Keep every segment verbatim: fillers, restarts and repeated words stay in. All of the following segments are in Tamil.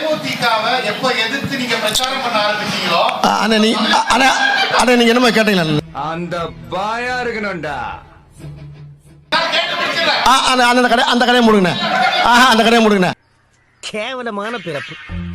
தேமுதிகவை எப்ப எதிர்த்து நீங்க பிரச்சாரம் பண்ண ஆரம்பிச்சீங்களோ அண்ணா நீ அண்ணா அண்ணா நீங்க என்னமா கேட்டீங்களா அந்த பாயா இருக்கணும்டா. அந்த கடை அந்த கடையை முடுங்கண்ணே. ஆஹா அந்த கடையை முடுங்கண்ணே. கேவலமான பிறப்பு.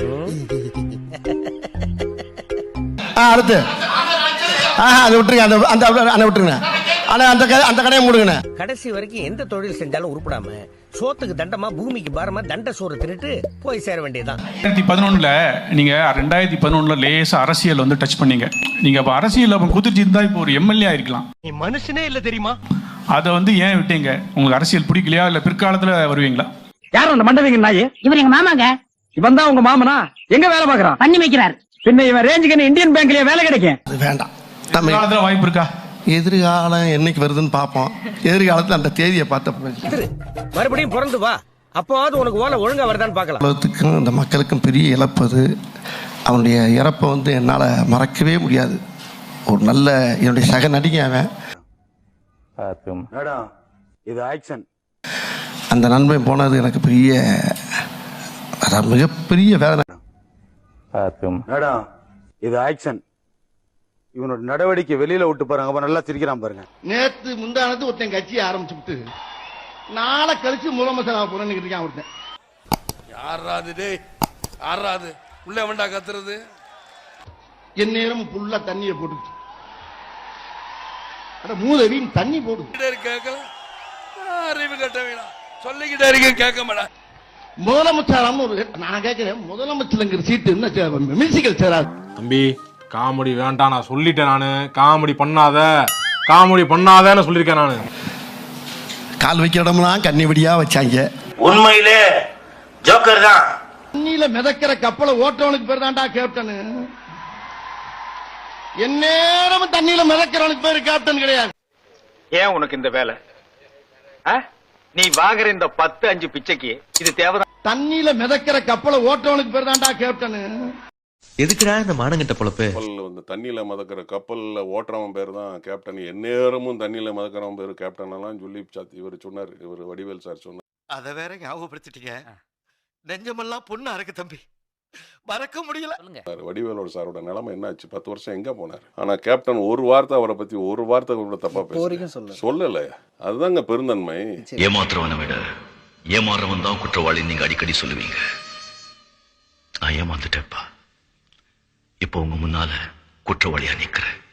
ஆ அடுத்து ஆஹா அதை விட்டுருங்க. அந்த அந்த அந்த விட்டுருங்க. ஆனா அந்த அந்த கடையை முடுங்கண்ணே. கடைசி வரைக்கும் எந்த தொழில் செஞ்சாலும் உருப்படாம சோத்துக்கு தண்டமா பூமிக்கு பாரமா தண்ட சோறு தின்னுட்டு போய் சேர வேண்டியதான். ரெண்டாயிரத்தி பதினொன்னுல நீங்க ரெண்டாயிரத்தி பதினொன்னுல லேசா அரசியல் வந்து டச் பண்ணீங்க. நீங்க அப்ப அரசியல் குதிர்ச்சி இருந்தா இப்போ ஒரு எம்எல்ஏ ஆயிருக்கலாம். நீ மனுஷனே இல்ல தெரியுமா? அதை வந்து ஏன் விட்டீங்க? உங்களுக்கு அரசியல் பிடிக்கலையா இல்ல பிற்காலத்துல வருவீங்களா? யாரும் அந்த மண்டவிங்க நாயே? இவர் எங்க மாமாங்க. இவன் தான் உங்க மாமனா? எங்க வேலை பாக்குறான்? பண்ணி வைக்கிறார். பின்ன இவன் ரேஞ்சுக்கு இந்தியன் பேங்க்லயே வேலை கிடைக்கும். அது வேண்டாம். எதிர்காலத்துல வாய்ப்பு இருக்கா? எதிர்காலம் என்னைக்கு வருதுன்னு பார்ப்போம். எதிர்காலத்துல அந்த தேதியை பார்த்த மறுபடியும் பிறந்து வா, அப்போது உனக்கு ஓலை ஒழுங்கா வருதான்னு பார்க்கலாம். உலகத்துக்கும் இந்த மக்களுக்கும் பெரிய இழப்பது. அவனுடைய இறப்பை வந்து என்னால் மறக்கவே முடியாது. ஒரு நல்ல என்னுடைய சக நடிகை அவன். இது ஆக்ஷன். அந்த நண்பன் போனது எனக்கு பெரிய மிகப்பெரிய வேதனை. இது ஆக்ஷன். இவனோட நடவடிக்கை வெளியில விட்டு பாருங்க, நல்லா சிரிக்கிறான் பாருங்க. நேத்து முந்தானது ஒருத்தன் கட்சியை ஆரம்பிச்சு விட்டு நாளை கழிச்சு முதலமைச்சர் போறேன்னு இருக்கான் ஒருத்தன். யாராது டேய் யாராது உள்ள வேண்டா கத்துறது? என் நேரம் ஃபுல்லா தண்ணியை போட்டு மூதவின் தண்ணி போடுது. கேட்கல அறிவு கட்ட வேணாம் சொல்லிக்கிட்டே இருக்க கேட்க மாட்டேன். முதலமைச்சர் ஒரு நான் கேட்கிறேன், முதலமைச்சருங்கிற சீட்டு என்ன மியூசிக்கல் சேராது தம்பி. காமெடி வேண்டாம் நான் சொல்லிட்டேன். நானு காமெடி பண்ணாத காமெடி பண்ணாதன்னு சொல்லியிருக்கேன். நானு கால் வைக்கிற இடம்லாம் கண்ணிவடியா வச்சாங்க. உண்மையிலே ஜோக்கர் தான். தண்ணியில மிதக்கிற கப்பலை ஓட்டவனுக்கு பேர் தான்டா கேப்டன். எந்நேரமும் தண்ணியில மிதக்கிறவனுக்கு பேரு கேப்டன் கிடையாது. ஏன் உனக்கு இந்த வேலை? நீ வாங்குற இந்த பத்து அஞ்சு பிச்சைக்கு இது தேவைதான். தண்ணியில மிதக்கிற கப்பலை ஓட்டவனுக்கு பேர் தான்டா கேப்டன். எதுக்குடா இந்த மானங்கிட்ட பொழப்பு? வந்து தண்ணியில மதக்கிற கப்பல்ல ஓட்டுறவன் பேர் தான் கேப்டன். எந்நேரமும் தண்ணியில மதக்கிறவன் பேரு கேப்டன் எல்லாம் சொல்லி இவர் சொன்னார். இவர் வடிவேல் சார் சொன்னார். அதை வேற ஞாபகப்படுத்திட்டீங்க. நெஞ்சமெல்லாம் பொண்ணு அறக்கு தம்பி, மறக்க முடியல. வடிவேலோட சாரோட நிலைமை என்னாச்சு? பத்து வருஷம் எங்க போனார்? ஆனா கேப்டன் ஒரு வார்த்தை அவரை பத்தி ஒரு வார்த்தை கூட தப்பா பேச சொல்லல. அதுதாங்க பெருந்தன்மை. ஏமாத்துறவனை விட ஏமாறவன் தான் குற்றவாளி நீங்க அடிக்கடி சொல்லுவீங்க. நான் ஏமாந்துட்டேப்பா. இப்போ உங்க முன்னால குற்றவாளியா நிக்கிறேன்.